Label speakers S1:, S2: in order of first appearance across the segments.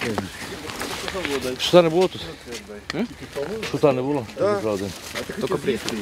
S1: Шута не було тут? Шута не було?
S2: Тільки приїхали.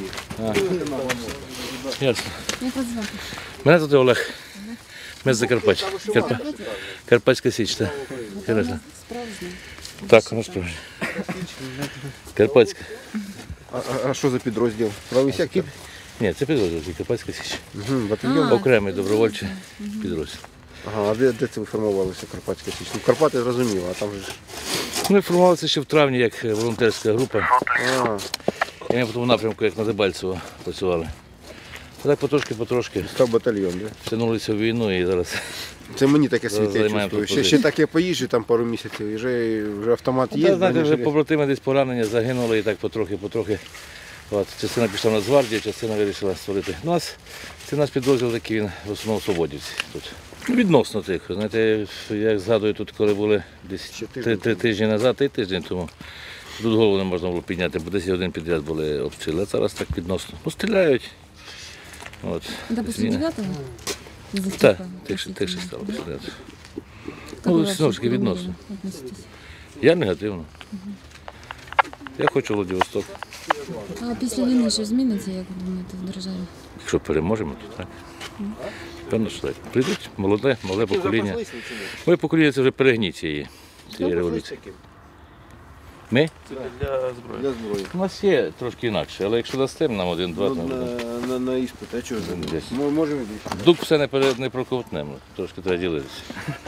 S1: Ясно.
S3: Як вас звати?
S1: Мене звати Олег. Ми з Закарпаття. Карпатська Січ, так. Інтересно.
S3: Справжня.
S1: Так, воно справжнє. Карпатська.
S2: А що за підрозділ? Правий сектор?
S1: Ні, це підрозділ, Карпатська Січ.
S2: Батальйон?
S1: Окремий добровольчий підрозділ.
S2: Ага, а де це ви формувалися, Карпатська Січ? Ну, Карпати зрозуміло, а там же ж...
S1: Ми формувалися ще в травні як волонтерська група.
S2: А,
S1: І ми по тому напрямку, як на Дебальцево, працювали. А так потрошки
S2: став батальйон, да?
S1: втягнулися в війну і зараз.
S2: Це мені таке світе
S1: Займаємо
S2: чувствую.
S1: тут
S2: Ще так я поїжджу там пару місяців, і вже автомат є.
S1: Знаєте, вже побратими десь поранення, загинули і так потрохи. От, частина пішла в Нацгвардію, частина вирішила створити. Це наш підрозділ такий, він в основному свободівці тут. Відносно тихо. Знаєте, як згадую, тут коли були десь 3 тижні назад, 3 тижні тому, тут голову не можна було підняти, бо 10 годин підряд були обстріли, а зараз так відносно. Ну, стріляють. От.
S3: Це після 9-го?
S1: Так, тихше стало стріляти. Ну, знову ж таки, відносно. Я негативно. Я хочу Владивосток.
S3: А після війни що зміниться, як ви думаєте, в державі?
S1: Якщо переможемо, то так. Певно, що так. Прийдуть молоде покоління. Моє покоління це вже перегніть цієї революції. Ми?
S4: Це для зброї.
S1: У нас є трошки інакше, але якщо дасте нам один-два, то
S2: На іспит, а чого?
S1: десь.
S2: Можемо
S1: Дух все не проковтнемо, трошки треба ділитися.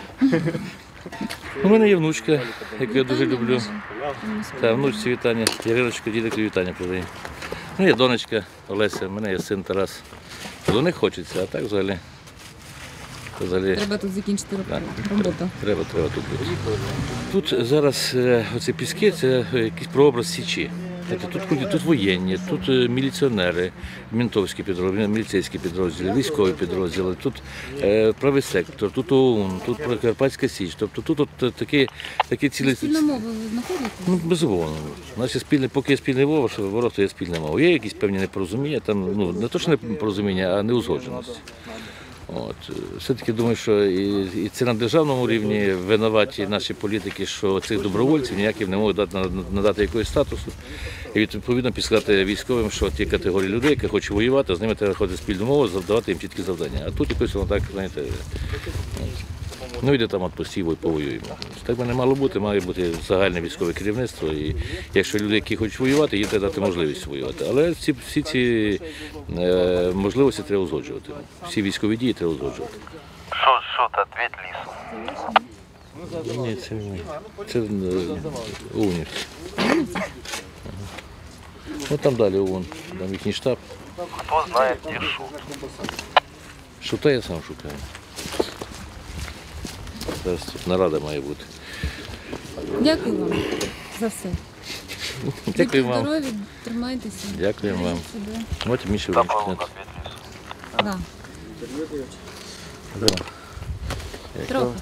S1: У мене є внучка, яку я дуже люблю. Та, внучці вітання, Яриночка, дідику вітання передає. Ну, є донечка Олеся, у мене є син Тарас. До них хочеться, а так взагалі.
S3: Треба тут закінчити роботу.
S1: Треба тут бути. Тут зараз оці піски, це якийсь прообраз Січі. Тут воєнні, тут міліціонери, ментовські підрозділи, міліцейські підрозділи, військові підрозділи, тут правий сектор, тут ОУН, тут Карпатська Січ. Тобто тут такі цілі...
S3: Спільна мова ви знаходите?
S1: Ну, безумовно. Поки є спільний ворог, то є спільна мова. Є якісь певні непорозуміння, там, ну, не то, що непорозуміння, а неузгодженості. От. Все-таки думаю, що і це на державному рівні винуваті наші політики, що цих добровольців ніяким не можуть надати якогось статусу. І відповідно підсказати військовим, що ті категорії людей, які хочуть воювати, з ними треба ходити спільну мову, завдавати їм чіткі завдання. А тут якось воно так, знаєте, ну йде там постійно і повоюємо. Так би не мало бути, має бути загальне військове керівництво. І якщо люди, які хочуть воювати, їм треба дати можливість воювати. Але всі ці можливості треба узгоджувати. Всі військові дії треба узгоджувати.
S4: Що, ответь лісу.
S1: Ні, це не. Це ОУНівці. Ну там далі ОУН, там їхній штаб.
S4: Хто знає, де Шут?
S1: Шута я сам шукаю. Зараз тут нарада має бути.
S3: Дякую вам за все.
S1: Дякую
S3: Будьте
S1: вам.
S3: здорові, тримайтеся.
S1: Дякую вам.
S3: Бережіть себе.
S1: От Міша
S4: Добро,
S1: вимкнути.
S4: ответь лісу.
S3: Да. Трохи.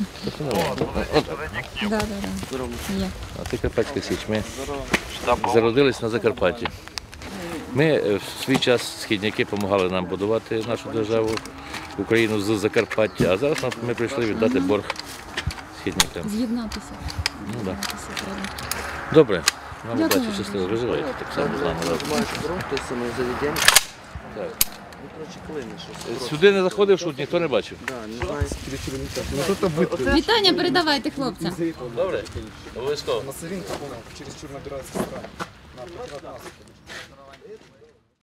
S3: Да. Є.
S1: А ти Карпатська Січ. Ми зародились на Закарпатті. Ми в свій час східняки допомагали нам будувати нашу державу, Україну з Закарпаття, а зараз ми прийшли віддати борг східнякам.
S3: З'єднатися.
S1: Ну, да.
S3: З'єднатися треба.
S1: Добре, вам
S3: Дякую.
S1: удачі, щасливо, виживайте так само з нами. Сюди не заходив, шут, ніхто не бачив.
S3: Вітання передавайте хлопцям.
S1: Добре, обов'язково.
S5: Масовинка, через чур набирается страна.